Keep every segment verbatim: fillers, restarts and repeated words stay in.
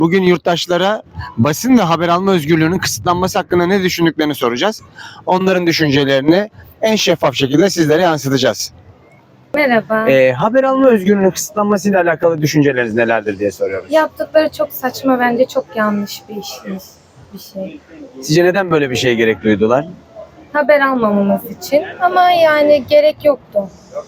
Bugün yurttaşlara basın ve haber alma özgürlüğünün kısıtlanması hakkında ne düşündüklerini soracağız. Onların düşüncelerini en şeffaf şekilde sizlere yansıtacağız. Merhaba. Ee, haber alma özgürlüğünün kısıtlanmasıyla alakalı düşünceleriniz nelerdir diye soruyoruz. Yaptıkları çok saçma, bence çok yanlış bir iş, bir şey. Sizce neden böyle bir şeye gerek duydular? Haber almamamız için ama yani gerek yoktu.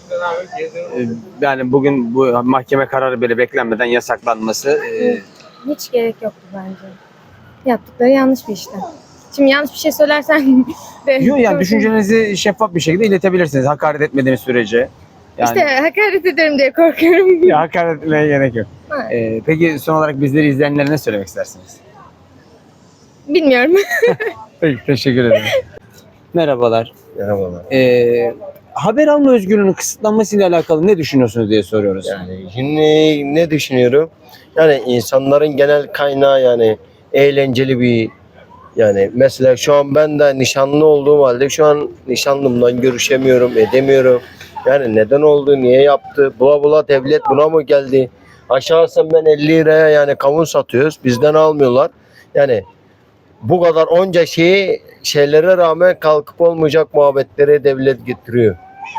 Ee, yani bugün bu mahkeme kararı bile beklenmeden yasaklanması e, Hiç gerek yoktu bence. Yaptıkları yanlış bir işlem. Şimdi yanlış bir şey söylersen de... yok yani düşüncelerinizi şeffaf bir şekilde iletebilirsiniz. Hakaret etmediğiniz sürece. Yani, İşte hakaret ederim diye korkuyorum. ya hakaret etmeye gerek yok. Ee, peki son olarak bizleri izleyenlere ne söylemek istersiniz? Bilmiyorum. Peki, teşekkür ederim. Merhabalar. Merhabalar. Ee, haber alma özgürlüğünün kısıtlanmasıyla alakalı ne düşünüyorsunuz diye soruyoruz. Yani şimdi ne düşünüyorum? Yani insanların genel kaynağı yani eğlenceli bir yani mesela şu an ben de nişanlı olduğum halde şu an nişanlımdan görüşemiyorum, edemiyorum. Yani neden oldu, niye yaptı? Bula bula devlet buna mı geldi? Aşağısı ben elli liraya yani kavun satıyoruz. Bizden almıyorlar. Yani bu kadar onca şeyi şeylere rağmen kalkıp olmayacak muhabbetleri devlet getiriyor.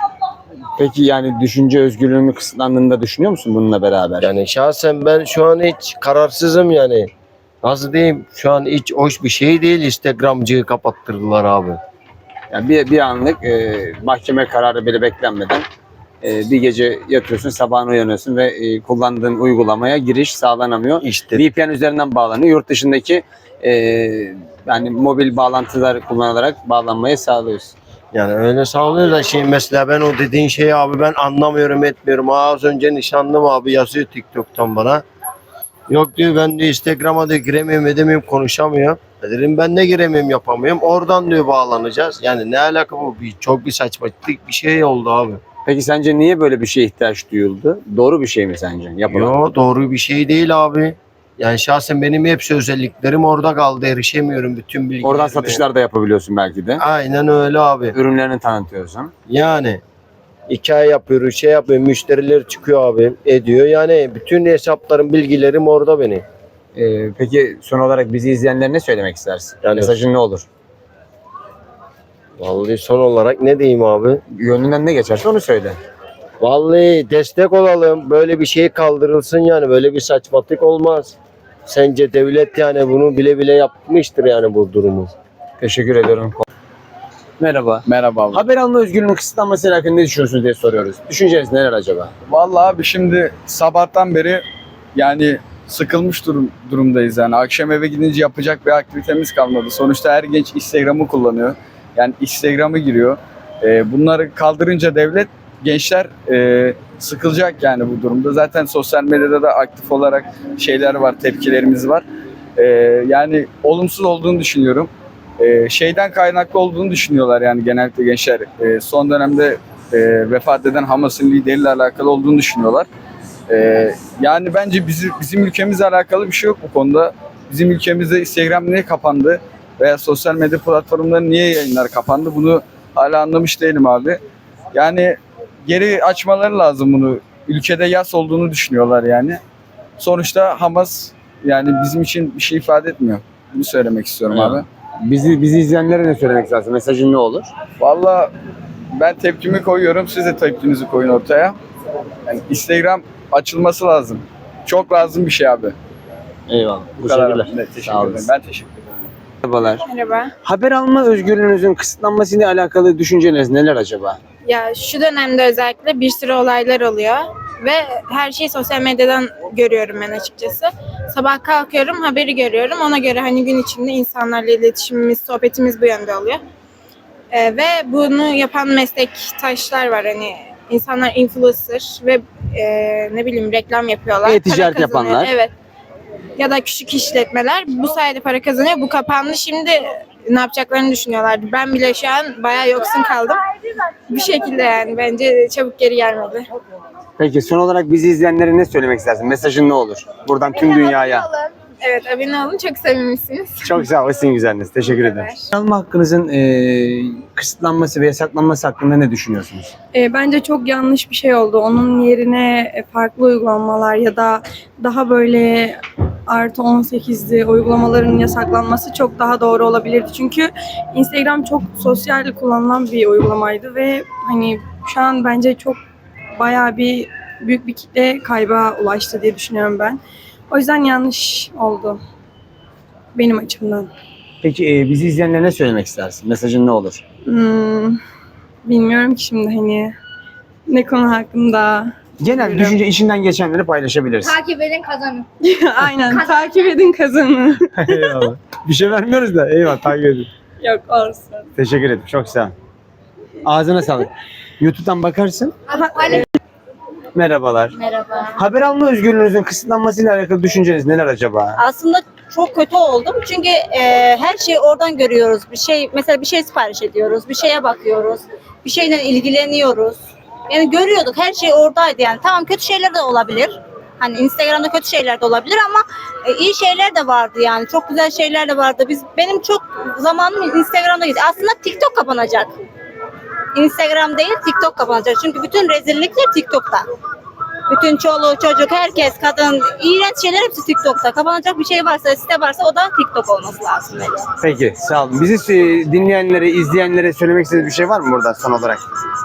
Peki yani düşünce özgürlüğünün kısıtlandığını da düşünüyor musun bununla beraber? Yani şahsen ben şu an hiç kararsızım yani. Nasıl diyeyim? Şu an hiç hoş bir şey değil. Instagramcıyı kapattırdılar abi. Yani bir, bir anlık e, mahkeme kararı bile beklenmeden e, bir gece yatıyorsun, sabahına uyanıyorsun ve e, kullandığın uygulamaya giriş sağlanamıyor. İşte V P N üzerinden bağlanıyor. Yurt dışındaki e, yani mobil bağlantılar kullanılarak bağlanmayı sağlıyorsun. yani öyle sağlıyor da şey mesela ben o dediğin şeyi abi ben anlamıyorum etmiyorum. Aa, az önce nişanlım abi yazıyor TikTok'tan bana. Yok diyor ben diyor Instagram'a da giremiyorum edemiyorum konuşamıyor. E dedim ben de giremiyorum yapamıyorum. Oradan diyor bağlanacağız. Yani ne alaka bu? Bir, çok bir saçmalık bir şey oldu abi. Peki sence niye böyle bir şeye ihtiyaç duyuldu? Doğru bir şey mi sence yapılan? Yo doğru bir şey değil abi. Yani şahsen benim hepsi özelliklerim orada kaldı. Erişemiyorum bütün bilgilerime. Oradan satışlar da yapabiliyorsun belki de. Aynen öyle abi. Ürünlerini tanıtıyorsun. Yani hikaye yapıyoruz, şey yapıyor, müşteriler çıkıyor abi, ediyor. Yani bütün hesaplarım, bilgilerim orada benim. Ee, peki son olarak bizi izleyenlere ne söylemek istersin? Yani- Mesajın ne olur? Vallahi son olarak ne diyeyim abi? Gönlünden ne geçerse onu söyle. Vallahi destek olalım. Böyle bir şey kaldırılsın yani. Böyle bir saçmalık olmaz. Sence devlet yani bunu bile bile yapmıştır yani bu durumu. Teşekkür ediyorum. Merhaba. Merhaba abi. Haber alma özgürlüğünün kısıtlanması hakkında ne düşünüyorsunuz diye soruyoruz. Düşünceniz neler acaba? Vallahi abi şimdi sabahtan beri yani sıkılmış durum, durumdayız yani. Akşam eve gidince yapacak bir aktivitemiz kalmadı. Sonuçta her genç Instagram'ı kullanıyor. Yani Instagram'ı giriyor. Ee, bunları kaldırınca devlet gençler e, sıkılacak yani bu durumda. Zaten sosyal medyada da aktif olarak şeyler var, tepkilerimiz var. Ee, yani olumsuz olduğunu düşünüyorum. Ee, şeyden kaynaklı olduğunu düşünüyorlar yani genellikle gençler. Ee, son dönemde e, vefat eden Hamas'ın lideriyle alakalı olduğunu düşünüyorlar. Ee, yani bence bizi, bizim ülkemizle alakalı bir şey yok bu konuda. Bizim ülkemizde Instagram niye kapandı veya sosyal medya platformları niye yayınlar kapandı bunu hala anlamış değilim abi. Yani geri açmaları lazım bunu. Ülkede yas olduğunu düşünüyorlar yani. Sonuçta Hamas yani bizim için bir şey ifade etmiyor. Bunu söylemek istiyorum Evet. abi. Bizi bizi izleyenlere ne söylemek istersin? Mesajın ne olur? Vallahi ben tepkimi koyuyorum. Siz de tepkinizi koyun ortaya. Yani Instagram açılması lazım. Çok lazım bir şey abi. Eyvallah. Bu kadar. Teşekkürler. Evet, teşekkür Sağ ederim. olasın. Ben teşekkür ederim. Merhabalar. Merhaba. Haber alma özgürlüğünüzün kısıtlanmasıyla alakalı düşünceleriniz neler acaba? Ya şu dönemde özellikle bir sürü olaylar oluyor ve her şeyi sosyal medyadan görüyorum ben açıkçası. Sabah kalkıyorum, haberi görüyorum. Ona göre hani gün içinde insanlarla iletişimimiz, sohbetimiz bu yönde oluyor. Ee, ve bunu yapan meslektaşlar var hani insanlar influencer ve e, ne bileyim reklam yapıyorlar. E-ticaret para kazanıyor. yapanlar. Evet. Ya da küçük işletmeler bu sayede para kazanıyor. Bu kapandı. Şimdi ne yapacaklarını düşünüyorlardı. Ben bile şu an bayağı yoksun kaldım. Bir şekilde yani bence çabuk geri gelmedi. Peki son olarak bizi izleyenlere ne söylemek istersin? Mesajın ne olur? Buradan tüm dünyaya. Evet, abone olun. Çok samimisiniz. Çok sağ olun. Sizin güzeliniz. Teşekkür ederim. kadar. Alma hakkınızın e, kısıtlanması ve yasaklanması hakkında ne düşünüyorsunuz? E, bence çok yanlış bir şey oldu. Onun yerine e, farklı uygulamalar ya da daha böyle artı on sekizli uygulamaların yasaklanması çok daha doğru olabilirdi. Çünkü Instagram çok sosyal kullanılan bir uygulamaydı ve hani şu an bence çok bayağı bir büyük bir kitle kayba ulaştı diye düşünüyorum ben. O yüzden yanlış oldu benim açımdan. Peki e, bizi izleyenlere ne söylemek istersin? Mesajın ne olur? Hmm, bilmiyorum ki şimdi hani ne konu hakkında. Genel Buyurun. düşünce içinden geçenleri paylaşabilirsin. Takip edin kazanın. Aynen takip edin kazanı. Eyvallah. Bir şey vermiyoruz da eyvallah takip edin. Yok olsun. Teşekkür ederim. Çok sağ ol. Ağzına sağlık. YouTube'dan bakarsın. Merhabalar. Merhaba. Haber alma özgürlüğünüzün kısıtlanmasıyla alakalı düşünceniz neler acaba? Aslında çok kötü oldum çünkü e, her şeyi oradan görüyoruz. Bir şey mesela bir şey sipariş ediyoruz, bir şeye bakıyoruz, bir şeyle ilgileniyoruz. Yani görüyorduk, her şey oradaydı yani. Tamam, kötü şeyler de olabilir. Hani Instagram'da kötü şeyler de olabilir ama e, iyi şeyler de vardı yani. Çok güzel şeyler de vardı. Biz benim çok zamanım Instagram'da gitti. Aslında TikTok kapanacak. Instagram değil, TikTok kapanacak. Çünkü bütün rezillikler TikTok'ta. Bütün çoluğu, çocuk, herkes, kadın, iğrenç şeyler hepsi TikTok'ta. Kapanacak bir şey varsa, site varsa o da TikTok olması lazım bence. Peki sağ olun. Bizi e, dinleyenlere, izleyenlere söylemek istediğiniz bir şey var mı burada son olarak?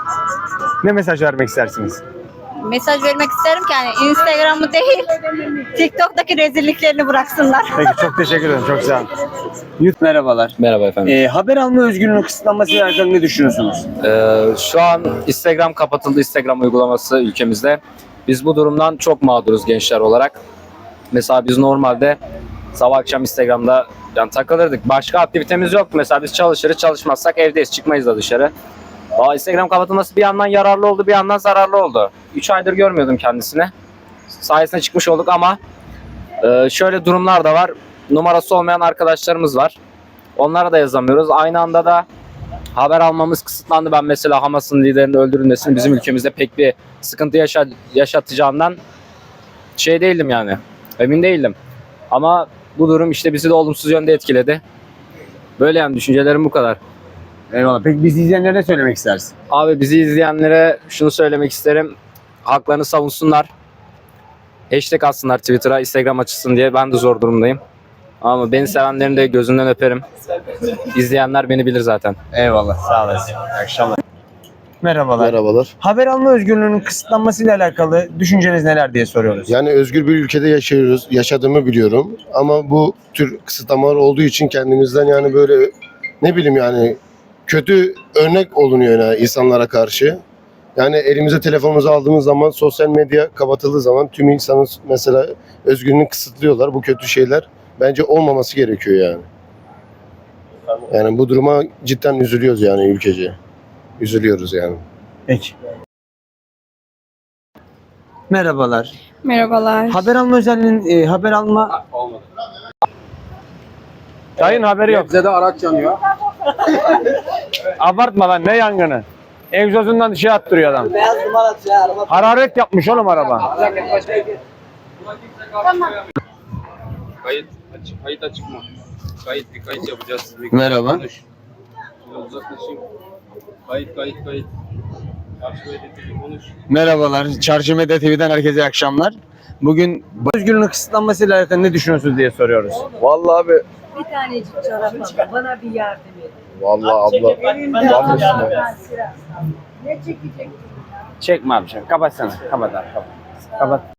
Ne mesaj vermek istersiniz? Mesaj vermek isterim ki yani Instagram'ı değil, TikTok'taki rezilliklerini bıraksınlar. Peki çok teşekkür ederim. Çok sağ olun. Yut merhabalar. Merhaba efendim. Ee, haber alma özgürlüğünün kısıtlanmasıyla alakalı ne düşünüyorsunuz? Ee, şu an Instagram kapatıldı, Instagram uygulaması ülkemizde. Biz bu durumdan çok mağduruz gençler olarak. Mesela biz normalde sabah akşam Instagram'da yani takılırdık. Başka aktivitemiz yok. Mesela biz çalışırız, çalışmazsak evdeyiz, çıkmayız da dışarı. Aa, Instagram kapatılması bir yandan yararlı oldu, bir yandan zararlı oldu. üç aydır görmüyordum kendisini. Sayesinde çıkmış olduk ama e, şöyle durumlar da var. Numarası olmayan arkadaşlarımız var. Onlara da yazamıyoruz. Aynı anda da haber almamız kısıtlandı. Ben mesela Hamas'ın liderinin öldürülmesini bizim ülkemizde pek bir sıkıntı yaşa yaşatacağından şey değildim yani. Emin değildim. Ama bu durum işte bizi de olumsuz yönde etkiledi. Böyle yani düşüncelerim bu kadar. Eyvallah. Peki bizi izleyenlere ne söylemek istersin? Abi bizi izleyenlere şunu söylemek isterim. Haklarını savunsunlar. Hashtag atsınlar Twitter'a, Instagram açılsın diye. Ben de zor durumdayım. Ama beni sevenlerin de gözünden öperim. İzleyenler beni bilir zaten. Eyvallah. Sağ olasın. İyi akşamlar. Merhabalar. Merhabalar. Haber alma özgürlüğünün kısıtlanmasıyla alakalı düşünceniz neler diye soruyoruz. Yani özgür bir ülkede yaşıyoruz. Yaşadığımı biliyorum. Ama bu tür kısıtlamalar olduğu için kendimizden yani böyle ne bileyim yani kötü örnek olunuyor yani insanlara karşı. Yani elimize telefonumuzu aldığımız zaman sosyal medya kapatıldığı zaman tüm insanın mesela özgürlüğünü kısıtlıyorlar. Bu kötü şeyler bence olmaması gerekiyor yani. Yani bu duruma cidden üzülüyoruz yani ülkece. Üzülüyoruz yani. Peki. Merhabalar. Merhabalar. Haber alma özelliğinin e, haber alma... Dayın haberi yok. Bize de araç yanıyor. Abartma lan ne yangını. Egzozundan şey attırıyor adam. Hararet yapmış oğlum araba. Kayıt açık, kayıt açık mı? Kayıt bir kayıt yapacağız. Bir Merhaba. konuş. Şöyle uzaklaşayım. Kayıt kayıt kayıt. Karşı medya konuş. Merhabalar. Çarşı Medya T V'den herkese iyi akşamlar. Bugün özgürlüğünün kısıtlanmasıyla alakalı ne düşünüyorsunuz diye soruyoruz. Vallahi abi. Bir tanecik çorap al, bana bir yardım et. Vallahi abla. Ne çekecek? Çekme abi. Kapat sana. Kapat abi. Kapat. Kapat.